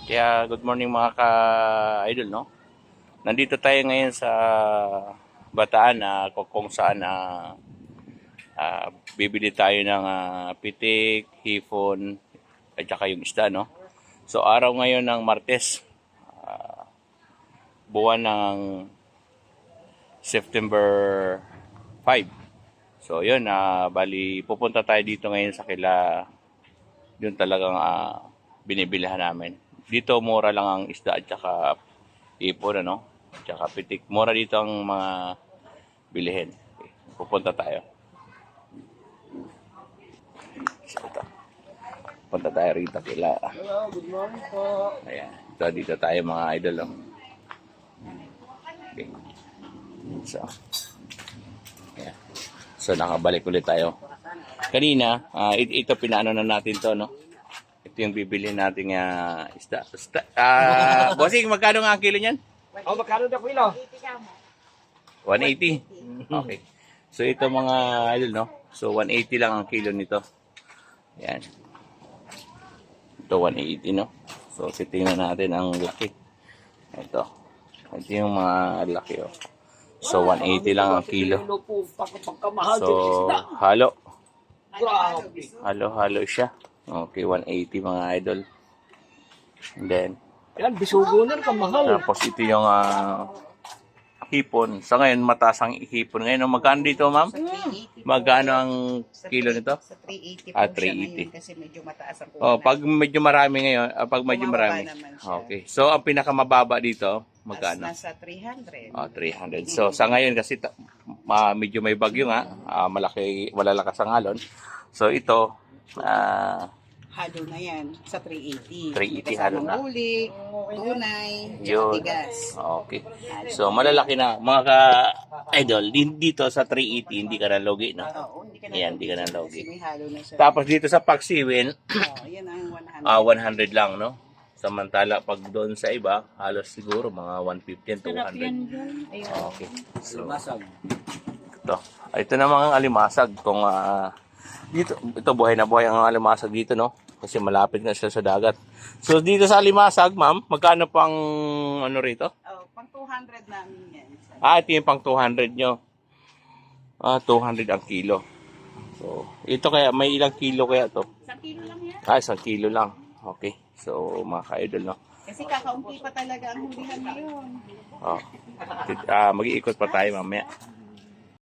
Kaya good morning mga ka-idol, no? Nandito tayo ngayon sa Bataan na kung saan bibili tayo ng pitik, hipon, at saka yung isda, no? So araw ngayon ng Martes, buwan ng September 5. So yun, bali pupunta tayo dito ngayon sa kila, yun talagang binibilihan namin. Dito mura lang ang isda at saka ipon, ano? At saka pitik. Mura dito ang mga bilihin. Okay. Pupunta tayo. So, ito. Punta tayo rito kila. Hello, good morning po. Ayan. So, dito tayo mga idol. Oh. Okay. So, ayan. So, nakabalik ulit tayo. Kanina, ito pinaano na natin to, no? Ito yung bibili nating isda. Bossing, magkano nga ang kilo niyan? Oh, magkano na kilo? 180. Okay. So ito mga idol, no? So 180 lang ang kilo nito. Yan. Ito 180, no? So titingnan natin ang laki. Ito. Ito yung mga laki, oh. So 180 lang ang kilo. So halo. Halo siya. Okay, 180 mga idol. And then Yan, bisugo na kamahal. tapos ito yung hipon. Sa ngayon, mataas ang hipon. Ngayon, magkano dito, ma'am? Magkano ang kilo nito? Sa 380 po 380. siya ngayon kasi medyo mataas ang Oh, kulang. pag medyo marami ngayon, pag medyo Bumababa marami. naman siya. Okay. So, ang pinakamababa dito, magkano? Nasa 300. 300. So, sa ngayon kasi medyo may bagyo nga, malalakas ang alon. So, ito, Halo na yan sa 380. 380 halo na. Huli, tunay, Yun. tigas. Okay. So, malalaki na. Mga ka-idol, dito sa 380, hindi ka na logi, no? Oo, hindi ka na. Ayan, hindi ka na Kasi logi. may halo na siya. Tapos dito sa Pagsiwin, Yan ang 100. 100 lang, no? Samantala, pag doon sa iba, halos siguro mga 150 and 200. Ayun. Okay. So, Masag. ito. Ito na mga alimasag. Kung dito, ito buhay na buhay ang alimasag dito, no? Kasi malapit na siya sa dagat. So, dito sa alimasag, ma'am, magkano pang ano rito? Oh, pang 200 namin yan. Ito yung pang 200 nyo. 200 ang kilo. So, ito kaya, may ilang kilo kaya to? 1 kilo lang yan. 1 kilo lang. Okay. So, mga ka-idol, no? Kasi kakaunti pa talaga ang hulihan ngayon. Mag-iikot pa tayo mamaya.